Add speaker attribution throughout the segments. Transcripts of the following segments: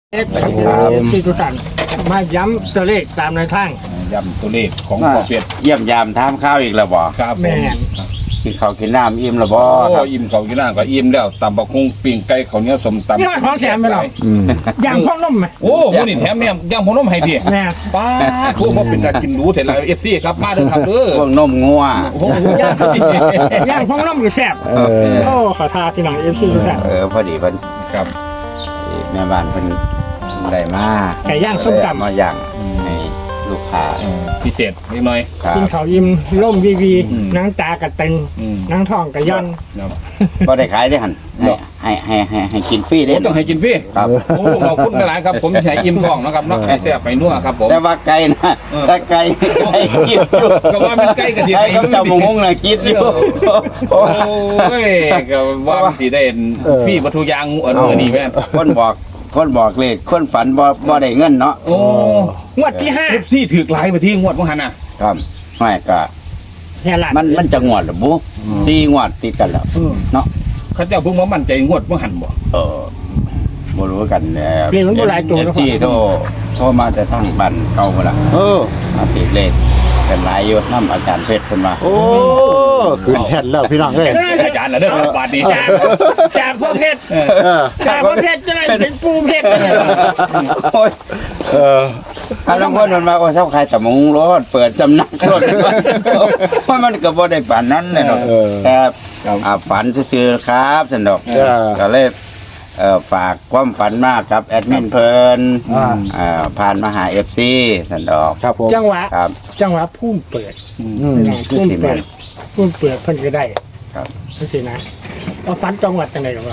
Speaker 1: สี่ทุกท่านมาย้ำตัวเลขตามในทาง
Speaker 2: ย้ำตัวเลขของพ่อเป็ด
Speaker 3: เยี่ยมยามถามข้าวอีกแล้วบ่
Speaker 2: ครับผม
Speaker 3: กินข้าวกินน้ำอิ่มแล้วบ่ครับ
Speaker 2: อิ่มเขากินน้ำก็อิ่มแล้วตำบักหุ่งปิ้งไก่ข้าวเหนียวสมตำ
Speaker 1: นี่มันของแถมไปหรออย่างพ่อนุ่มไหม
Speaker 2: โอ้มื้อนี้แถมเนี่ยย่างพ่อน้มให้ดิ
Speaker 1: แม่
Speaker 2: ป้าโคมาเป็นการกินหรูเสร็จแล้ว FC ครับมาเด้อครับเด้อ
Speaker 3: พวกนมงัว
Speaker 2: โอ้โห
Speaker 1: ย่างพ่อนุ่มอยู่แซ่บโอ้ขอทาพี่น้องFCทุกท่าน
Speaker 3: พอดีเพิ่น
Speaker 2: ครับ
Speaker 3: แม่บ้านเพิ่นได้มา
Speaker 1: ไก่ย่างส้มตำ
Speaker 3: มาย่างให้ลูกค้า
Speaker 2: พิเศษนิดหน่อย
Speaker 3: ครับ
Speaker 1: กินข้าวยิ้มร่มวีนั่งตากระเต็งนั่งท้องกระย่อน
Speaker 3: ก็ได้ขายได้หั่นให้กินฟรี
Speaker 2: โอ้
Speaker 3: ได้
Speaker 2: ต้องให้กินฟรี
Speaker 3: ครับ
Speaker 2: โอ้ขอบคุณหลายครับผมให้อิ่มท้องนะครับเนาะให้แซ่บไปนัวครับผม
Speaker 3: แต่ว่าไก่นะถ้าไก่ให้กินอยู่
Speaker 2: ก็ว่ามันใกล้กันที่
Speaker 3: ไก่กับเจ้าหมูงน่ะกินอยู่
Speaker 2: โอ้ยก็ว่าสิได้ฟรีวัตถุยางมื้อนี้แม่น
Speaker 3: คนบอกเลขคนฝันบ่ได้เงินเนาะ
Speaker 2: โอ้
Speaker 1: งวดที่5
Speaker 2: FC ถือหลายไปที่งวดบ่หันน่ะ
Speaker 3: ครับไม่ก็
Speaker 1: แค่ละ
Speaker 3: มันจะงวดหรือบุ4งวดติดกันแล้วเนาะ
Speaker 2: เขาเจ้าเพิ่งมามั่นใจงวดบ่หันบ่
Speaker 3: บ่รู้กันแล้ว
Speaker 1: เรียนมันบ่หลายตัวนะ
Speaker 3: ที่โทรมาแต่ทางบ้านเก่าพุ่นล่ะมาติดเลขกันหลายอยู่นำอาจารย์เพชรเพิ่นว่า
Speaker 4: โอ้ขึ้นแท่นแล้วพี่น้องเอ้ย
Speaker 2: อาจารย์น่ะเด้อบาดนี้จ้า
Speaker 1: จากพ่อเพชร
Speaker 4: เออ
Speaker 1: จากพ่อเพชรจะได้เป็นปูเพชร
Speaker 3: โอ้ย
Speaker 4: เออ
Speaker 3: อันนั้นคนมันมาโอ้เจ้าใครตะมงรถเปิดสำนักรถเพราะมันก็บ่ได้ปานนั้นแน่นอนแต่ฝันซื่อๆครับสนุกก็เลยฝากความฝันมากครับแอดมินเพิ่นผ่านมาหา FC สันดอก
Speaker 4: ครับผม
Speaker 1: จังหวะ
Speaker 3: ครับ
Speaker 1: จังหวะพุ่มเปิด
Speaker 3: คือสิแม่น
Speaker 1: พุ่มเปิดเพิ่นก็ได้
Speaker 3: ครับ
Speaker 1: นั่นสินะเอาฟันจังหวัดจังไหนหรอวะ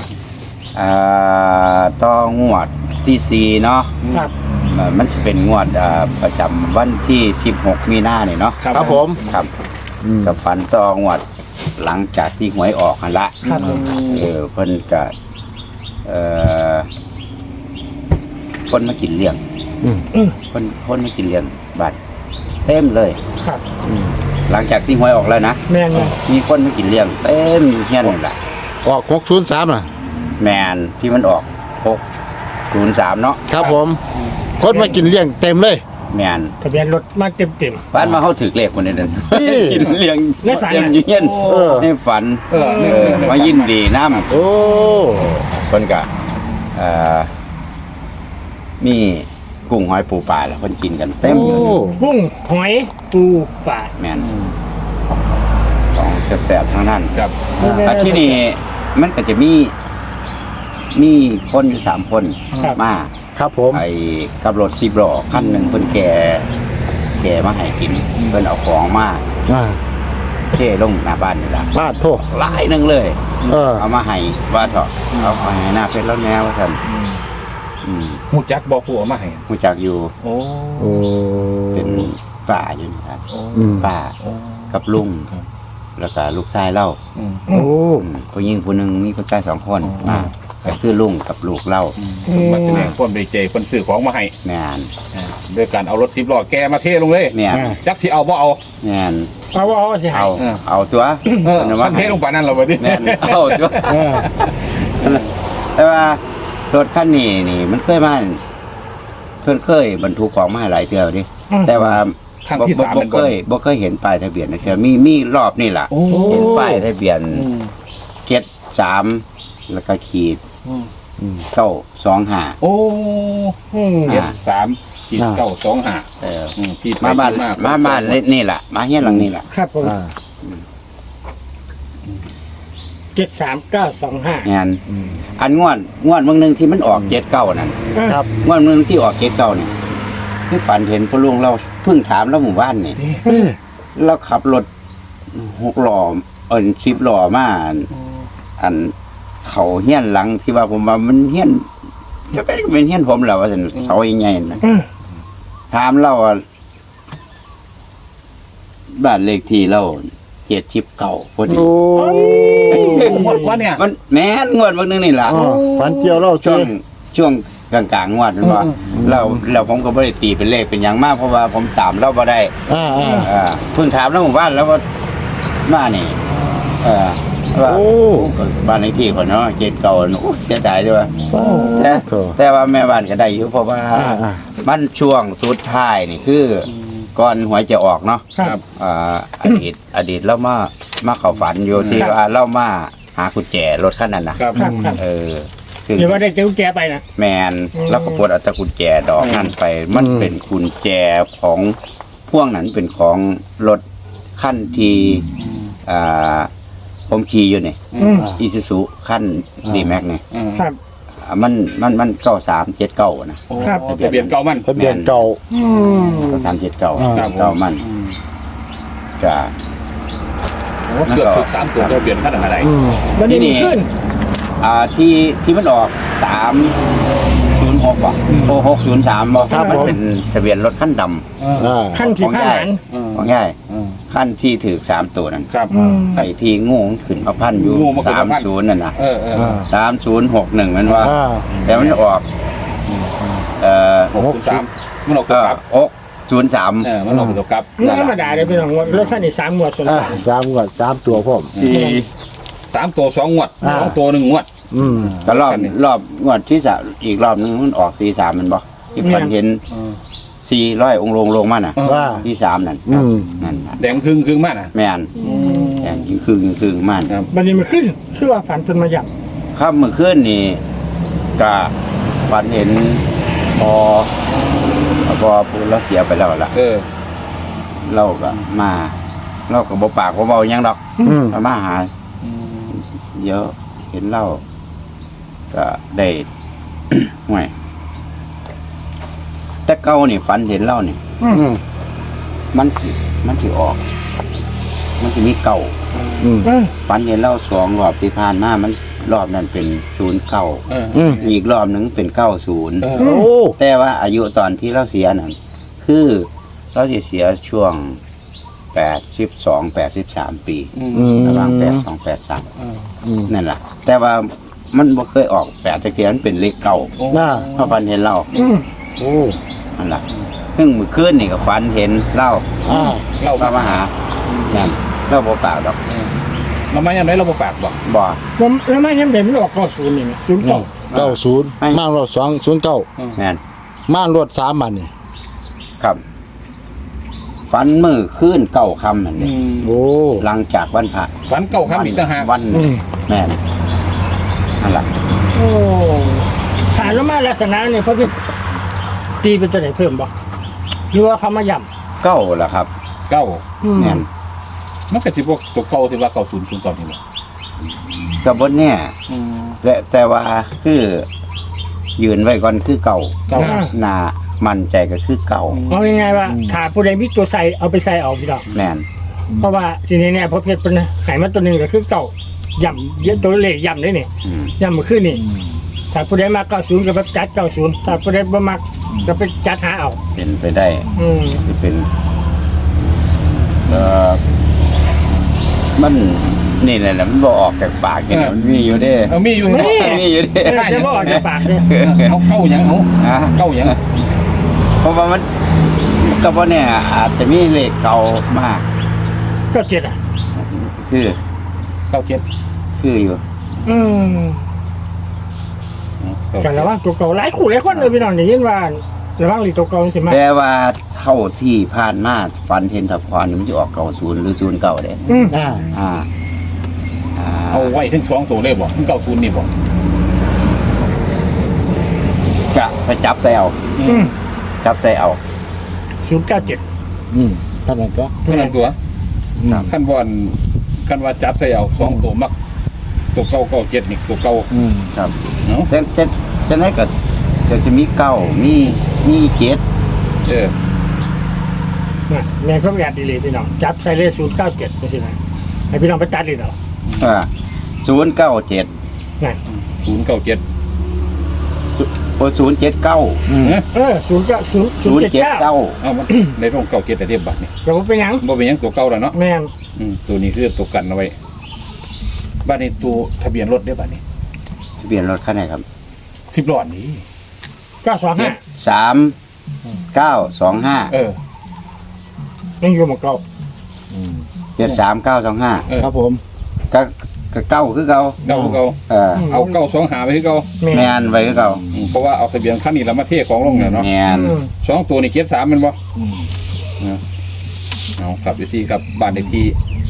Speaker 3: ต่องวดที่4เนาะ
Speaker 1: ครับ
Speaker 3: มันจะเป็นงวดประจำวันที่16มีนาเนี่ยเนาะ
Speaker 4: ครับผม
Speaker 3: ครับกับฝันต่องวดหลังจากที่หวยออกกันละ
Speaker 1: ครับผม
Speaker 3: เพิ่นก็คนมากินเลี้ยงคนมากินเลี้ยงบัตรเต็มเลย
Speaker 1: ครับ
Speaker 3: หลังจากที่หวยออกแล้วนะ
Speaker 1: แม่นไง
Speaker 3: มีคนมากินเลี้ยงเต็มเฮียนนี่แหละ
Speaker 4: ออก603น่ะ
Speaker 3: แมนที่มันออก603เนาะ
Speaker 4: ครับผมคนมากินเลี้ยงเต็มเลย
Speaker 3: แมน
Speaker 1: ทะเบียนรถมาเต็ม
Speaker 3: บ้านมาเขาถือเลขคนนี้นั่น
Speaker 4: นี่
Speaker 3: กินเลี้ยง
Speaker 1: ในฝัน
Speaker 3: เต็ม
Speaker 1: น่ะ
Speaker 3: อยู่เฮียน
Speaker 4: เออ
Speaker 3: ในฝันมายินดีน้ำ
Speaker 4: โอ้
Speaker 3: คนกะมีกุ้งหอยปูปลาแล้วคนกินกันเต็ม
Speaker 4: โอ้
Speaker 1: ๆกุ้งหอยปูปลา
Speaker 3: แมนของแซ่บๆทั้งนั้น
Speaker 2: ครับ
Speaker 3: ที่นี่มันก็จะมีคนอยู่3 คนมา
Speaker 4: ครับผม
Speaker 3: ไอ้กับรถ10 ล้อคันหนึ่งเพิ่นแก่มาให้กินเพิ่นเอาของมาเทลงหน้าบ้านนี่ล่ะ
Speaker 4: ลาดโทษ
Speaker 3: หลายหนึงเลย เอามาให้ว่าเถอะเอามาให้หน้าเพชรแล้วแนวว่าซั่น
Speaker 2: ฮู้จักบ่ผู้เอามาให้
Speaker 3: รู้จักอยู่
Speaker 2: โอ้
Speaker 4: โอ้
Speaker 3: เป็นป้าอยู่นะครับ
Speaker 4: อืม
Speaker 3: ป้ากับลุงแล้วก็ลูกชายเล่า
Speaker 4: โอ้
Speaker 3: ผู้หญิงผู้หนึงมีผู้ชาย2 คนก็คือลุงกับลูกเล่า
Speaker 2: มาแสดงความดีใจเพิ่นซื้อของมาให้
Speaker 3: แม่น
Speaker 2: ด้วยการเอารถ10ล้อแกมาเทลงเลย
Speaker 3: แม่น
Speaker 2: จักสิเอาบ่เอา
Speaker 3: แม่น
Speaker 1: เอาสิหา
Speaker 3: เอาตัว
Speaker 2: มันเทลงปานนั้นแล้วบ่ดิ
Speaker 3: แม่นเอาตัวแต่ว่ารถคันนี้นี่มันเคยมาเพิ่นเคยบรรทุกของมาให้หลายเที่ยวดิแต่ว่า
Speaker 2: ครั้งที่3
Speaker 3: บ่
Speaker 2: เป็น
Speaker 3: เค
Speaker 2: บ่
Speaker 3: ยบ่เคยเห็นป้ายทะเบียนนะเที่ยวมีรอบนี่ล่ะเห็นป้ายทะเบียน73แล้วก็ขีด925
Speaker 2: โอ้
Speaker 3: อ่า
Speaker 2: 73ขีด925ที่
Speaker 3: มาบ้านนี่ล่ะมาเฮียนหลังนี่ล่ะ
Speaker 1: ครับผม
Speaker 4: อ่า
Speaker 1: 73925
Speaker 3: งานอันงวดเมืองนึงที่มันออก79นั่น
Speaker 4: ครับ
Speaker 3: งวดเมืองที่ออก79นี่ที่ฝันเห็นพ่อลุงเราเพิ่งถามแล้วหมู่บ้านนี่เราขับรถ6 ล้อ10 ล้อมาอันเขาเฮียนหลังที่ว่าผมว่ามันเฮียนจะเป็นเฮียนผมแล้วว่าซั่นเสาใหญ่ๆนั่นถามเราว่าบ้านเลขที่เรา79พอดี
Speaker 4: โอ้
Speaker 2: ว่าเนี่ย
Speaker 3: มันแม่นงวดเบิ่งนึงนี่ล่ะ
Speaker 4: ฝันเกี่ยวเล่า
Speaker 3: ช่
Speaker 4: เจ้
Speaker 3: วงกลางๆงวดนั่นว่าเราผมก็บ่ได้ตีเป็นเลขเป็นหยังมากเพราะว่าผมตามเราบ่ได้
Speaker 4: อ่า
Speaker 3: เพิ่งถามแล้วหมู่บ้านแล้วว่ามานี่ว่า
Speaker 4: โอ้
Speaker 3: บ้านเลขที่ก่อนเนาะเจ็ดเก่าโอ้เสียดายด้วย แต่
Speaker 4: โถ
Speaker 3: แต่ว่าแม่บ้านก็ได้อยู่เพราะว่า
Speaker 4: อ่า
Speaker 3: มันช่วงสุดท้ายนี่คือก่อนหวยจะออกเนาะ
Speaker 1: ครับ
Speaker 3: อดีตเรามาเข้าฝันอยู่ที่
Speaker 1: ครับ
Speaker 3: ว่าเรามาหากุญแจรถคันนั้นนะครับ
Speaker 1: ครับครับ
Speaker 3: ซึ่ง
Speaker 1: หรือว่าได้เจ้าแกไปนะ
Speaker 3: แมนแล้วก็ปลดเอาแตะกุญแจดอกนั้นไป มันเป็นกุญแจของพ่วงนั้นเป็นของรถขั้นที่อ่าผมขี่อยู่นี่
Speaker 1: อืม
Speaker 3: อีซูซุขั้นดีแม็กนี่
Speaker 1: ครับ
Speaker 3: มัน9379นะ
Speaker 1: ครับ
Speaker 2: ทะเบียนเก่ามัน
Speaker 4: ทะเบียนเก่า
Speaker 1: อืม
Speaker 3: 9379
Speaker 2: ครับ
Speaker 3: เก่ามันจะ
Speaker 2: เกือบถูก3ตัวทะเบียนขนาดไหน
Speaker 4: อืม
Speaker 1: แล้วนี่ขึ้น
Speaker 3: ที่มันออก306บ่โอ้603บ่
Speaker 4: ครับ
Speaker 3: มัน
Speaker 4: ผม
Speaker 3: เป็นทะเบียนรถขั้นด
Speaker 4: อ่า
Speaker 1: ขั้นที่ผ้าหลาน
Speaker 3: ำของง่ายขั้นที่ถือ3ตัวนั่น
Speaker 2: ครับ
Speaker 1: อืม
Speaker 3: ไอ้ที่งูมันขึ้นมาพันอยู่
Speaker 2: งูมาขึ้นมาพัน
Speaker 3: 30นั่นน่ะ
Speaker 2: เออ
Speaker 3: 3061มันว่า
Speaker 4: อ่า
Speaker 3: แต่มันออก
Speaker 2: 603มันออกตัวกลับ
Speaker 3: 603
Speaker 2: มันออกตัวกลับ
Speaker 1: นี่ธรรมดาเลยเป็นของรถคันนี้3หมวดส่วน
Speaker 4: อ่า
Speaker 1: ต่าง
Speaker 4: 3งวด3ตัวพ่อม
Speaker 2: 3ตัว2งวด
Speaker 4: อ่า
Speaker 2: 2ตัว1งวด
Speaker 4: อืม
Speaker 3: ก็รอบงวดที่อีกรอบนึงมันออก43มันบ่ที่พันเห็น400องค์ลงมาน่ะ
Speaker 4: ว่า
Speaker 3: ที่3นั่น
Speaker 4: อืม
Speaker 3: นั่นน่ะ
Speaker 2: แดงครึ่งมากนะ
Speaker 3: แม่นแข่งคือมัน
Speaker 2: ครับ
Speaker 1: บันนี้มันขึ้นชื่อว่าฝันเป็นมาหยับ
Speaker 3: ครับเมื่อคืนนี่ก็ฝันเห็นพอพูดแล้วเสียไปแล้วล่ะ เราก็มาเราก็บ่ปากบ่เบาหยังดอก
Speaker 4: อืม
Speaker 3: มาหาเยอะเห็นเราก็ได้ ห่วยแต่เก่านี่ฝันเห็นเรานี่
Speaker 4: อืม
Speaker 3: มันสิออก มันสิมีเก่า
Speaker 4: อืม
Speaker 3: ฝันเห็นเรา2รอบที่ผ่านมามันรอบนั้นเป็น09
Speaker 4: อืม
Speaker 3: อีกรอบหนึงเป็น90
Speaker 4: โอ้
Speaker 3: แต่ว่าอายุตอนที่เราเสียนั่นคือเราสิเสียช่วง83 ปี
Speaker 4: อืม
Speaker 3: ระหว่าง82 83
Speaker 4: อืม
Speaker 3: นั่นแหละแต่ว่ามันบ่เคยออก8ตะเกียนเป็นเลขเก่า
Speaker 4: น่า
Speaker 3: เพราะฝันเห็นเรา
Speaker 1: อืม
Speaker 4: โอ้
Speaker 3: นั่นล่ะซึ่งมื้อคืนนี่ก็ฝันเห็นเรา
Speaker 4: อ่า
Speaker 3: เรามาหานั่นเราบ่ปากดอก
Speaker 2: เราไม่ยังไงเราบ่ปากบอก
Speaker 3: บ่
Speaker 1: ผมแล้วไม่ยังเด่นไม่ออก90นี่ไง
Speaker 4: 90มารถ209
Speaker 3: แม่น
Speaker 4: มารถ3บัดนี่
Speaker 3: ครับฝันมื้อคืนเก่าค่ำนั่นนี่
Speaker 4: โอ้
Speaker 3: หลังจากวันพระ
Speaker 2: ฝันเก่าครับอีกต่างหาก
Speaker 3: วัน
Speaker 4: อืม
Speaker 3: แม่นนั่นล่ะ
Speaker 1: โอ้ฐานแล้วมาลักษณะนี่เพราะพี่ตีเป็นตัวไหนเพิ่มบ่หรือว่าเขามาหย่ำ
Speaker 3: เก้าล่ะครับ
Speaker 2: เก่า
Speaker 1: อืม
Speaker 3: แม่น
Speaker 2: มันก็สิพวกตัวเก่าที่ว่าเก่า00ก่อนนี่บ่
Speaker 3: ก็บ่แน่แต่ว่าคือยืนไว้ก่อนคือเก่า
Speaker 2: เก่า
Speaker 3: หน้ามั่นใจก็คือเก่า
Speaker 1: เอายังไงว่าถ้าผู้ใดมีตัวใส่เอาไปใส่เอาพี่ดอก
Speaker 3: แม่น
Speaker 1: เพราะว่าทีนี้เนี่ยพอเพชรเป็นหายมาตัวหนึ่งก็คือเก่าย่ำเยอะตัวเลขย่ำได้นี่
Speaker 3: อืม
Speaker 1: ย่ำมาขึ้นนี่ถ้าผู้ใดมา90ก็ไปจัด90ถ้าผู้ใดบ่มักก็ไปจัดหาเอา
Speaker 3: เป็นไปได้
Speaker 1: อืม
Speaker 3: ที่เป็นเอ่อมันนี่แหละมันบ่ออกจากปากนี่นะมันมีอยู่เด้
Speaker 2: มีอยู่
Speaker 3: มีอยู่เด้
Speaker 1: จะบ่ออกจากปากเลย
Speaker 2: เอาเก่าหยังเอา
Speaker 3: ฮะ
Speaker 2: เก่าหยัง
Speaker 3: เพราะว่ามันก็บ่แน่อาจจะมีเลขเก่ามาก
Speaker 1: ก็เจ็ดอ่ะ
Speaker 3: คือ
Speaker 2: เก่าเจ็ด
Speaker 3: คืออยู่
Speaker 1: อืมกันระวังตัวเก่าหลายคู่หลายคนเลยพี่น้องได้ยินว่าระวังหลีตัวเก่าสิมา
Speaker 3: แต่ว่าเท่าที่ผ่านมาฝันเห็นทับพรนี่มันจะออก90หรือ09เด้
Speaker 1: อืม
Speaker 4: อ่า
Speaker 3: อ่า
Speaker 2: เอาไว้ถึง2ตัวเลยบ่ถึง90นี่บ่
Speaker 3: กะไปจับใส่เอา
Speaker 1: อืม
Speaker 3: จับใส่เอา
Speaker 1: 097
Speaker 4: อืมท่านนั้นก็
Speaker 2: เท่านั้นตัว
Speaker 4: อืม
Speaker 2: ขั้นว่าจับใส่เอา2ตัวมักตัวเก่าเก่า7นี่ตัวเก่า
Speaker 4: อืม
Speaker 3: ครับ
Speaker 2: เนาะ
Speaker 3: จะไหนก็จะมีเก้ามีเจ็ด
Speaker 1: นะแม่นเพิ่นอยากดีเลยพี่น้องจับใส่เลข097จังซี่นะให้พี่น้องไปตัดเลยเอา
Speaker 3: 097
Speaker 1: นั่น
Speaker 2: 097
Speaker 3: โอ้079
Speaker 4: อืม
Speaker 1: 079
Speaker 2: เอามันในร่องเก่า7แต่เทียบบัตรนี่
Speaker 1: ก็บ่เป็นหยัง
Speaker 2: บ่เป็นหยังตัวเก่าแล้วเนาะ
Speaker 1: แม่น
Speaker 2: ตัวนี้คือตัวกันเอาไว้บ้านนี้ตัวทะเบียนรถได้บ้านนี้
Speaker 3: ทะเบียนรถคันไหนครับ
Speaker 2: 10ล้อนี้
Speaker 1: 925
Speaker 3: 3925
Speaker 1: ยังอยู่หมองเก่า
Speaker 4: อืม
Speaker 3: 73925
Speaker 2: เออ
Speaker 4: ครับผม
Speaker 3: ก็ก็เก้าคือเก่า
Speaker 2: เก่าคือเก่า เอาเก่าสองหาไปคือเก่า
Speaker 3: แมนไว้คือเก่า
Speaker 2: เพราะว่าเอาทะเบียนคันนี้แล้วมาเทของลงเนี่ยเนาะ
Speaker 3: แมน
Speaker 2: สองตัวนี่เก็บ3มันบ่เอาครับอยู่ที่กับบ้านเลขที่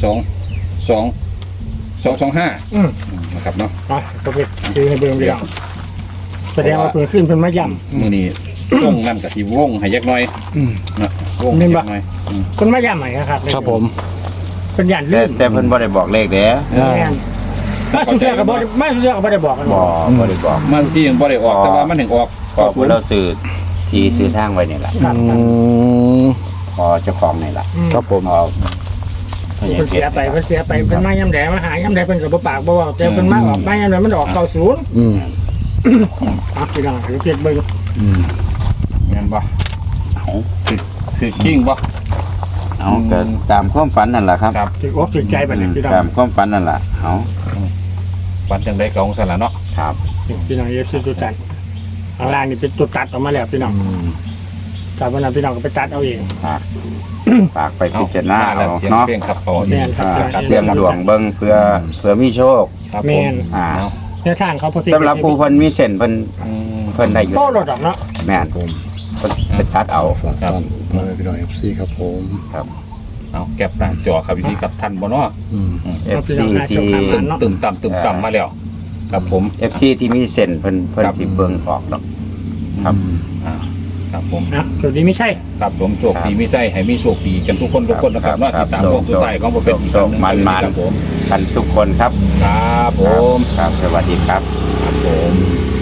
Speaker 2: 225นะครับเนาะ
Speaker 1: อ่ะก็ไปซื้อให้เบิ่งเดียวแสดงว่าเพิ่นขึ้นเพิ่นมาย่ำ
Speaker 2: มื้อนี้วงนั่นก็สิวงให้ยักหน่อยนะวงให้ยักหน่อย
Speaker 1: เพิ่นมาย่ำให้ครับ
Speaker 4: ครับผม
Speaker 1: เพิ่นย่านลื
Speaker 3: แต่
Speaker 1: ม
Speaker 3: เพิ่นบ่ได้บอกเลขเด้
Speaker 1: แม่นมาสุดท้ายก็บ่ได้มาสุดท้ายก็บ่ได้บอกกัน
Speaker 3: บ่ได้บอก
Speaker 2: มันที่ยังบ่ได้ออกแต่ว่ามันถึงออก
Speaker 3: ก็เพิ่นเราซื้อที่ซื้อทางไว้นี่ล่ะ
Speaker 1: ครับ
Speaker 3: พอเจ้าของนี่ล่ะ
Speaker 4: ครับผม
Speaker 3: พอพญา
Speaker 1: เพิ่น
Speaker 3: เพ
Speaker 1: เสี
Speaker 3: ช
Speaker 1: ย
Speaker 3: ร
Speaker 1: ไปเพิ่นเสียไปเพิ่นมาย่ำแดมาหาย่ำแดเพิ่นก็บ่ปากบ่เว้าแต่เพิ่นมาออกมาย่ำแดมันออก90
Speaker 4: อืม
Speaker 1: อ่ะพี่น้องเดี๋ยวเก็บเบิ่ง
Speaker 4: อืม
Speaker 2: แม่นบ่
Speaker 3: เอา
Speaker 2: คือกิ้งบ่
Speaker 3: เอาก็ตามความฝันนั่นล่ะครับ
Speaker 2: ครับ
Speaker 1: สิอกสิใจบัดนี้พี่น้อง
Speaker 3: ตามความฝันนั่นล่ะเอา
Speaker 2: ปันจังได๋ก็ของซั่นล่ะเนาะ
Speaker 3: ครับ
Speaker 1: พี่น้องเอฟซีตัวจัดข้างล่างนี่เป็นตัวตัดออกมาแล้วพี่น้องจากวันนั้นพี่น้องก็ไปตัดเอาเอง
Speaker 3: ฝากไปพิจารณา
Speaker 2: แล้
Speaker 3: เอา
Speaker 2: วเสียง
Speaker 3: เนาะ
Speaker 2: เพลงครับพอ
Speaker 1: แม่นครับ
Speaker 3: เสี่ยงดวงเบิ่งเพื่อมีโชค
Speaker 2: ครับผ
Speaker 1: แม่
Speaker 2: ม
Speaker 1: น
Speaker 3: อ่า
Speaker 1: แนวทางเขาพอดี
Speaker 3: สำหรับผู้เพิ่นมีเส้นเพิ่น
Speaker 2: อืม
Speaker 3: เพิ่นได้อยู่
Speaker 1: โตรถดอกเนาะ
Speaker 3: แม่นผมเพิ่นไปตัดเอา
Speaker 4: ฝากท่านมาเลยพี่น้อง FC ครับผม
Speaker 2: เอาแก็บหน้าจอครับวิธีกับท่านบ่เนาะ
Speaker 4: อืม
Speaker 3: FC ที่
Speaker 2: ตึมต่ำมาแล้วครับผม
Speaker 3: FC ที่มีเส้นเพิ่นสิเบิ่งออกดอกครับ
Speaker 2: อ่าครับผม
Speaker 1: อ่ะจุดนี้ไม่ใช่
Speaker 2: ครับผมโชคดีไม่ใช่ให้มีโชคดีกันทุกคนนะครับเนาะ
Speaker 3: ครั
Speaker 2: ติ
Speaker 3: บ
Speaker 2: ดตามพวกตัวใต้ของบ่เป็นอีกครั้งหนึ่ง
Speaker 3: มัน
Speaker 2: ครับผม
Speaker 3: กันทุกคนครับ
Speaker 2: ครับผม
Speaker 3: ครับสวัสดีครับ
Speaker 2: ครับผม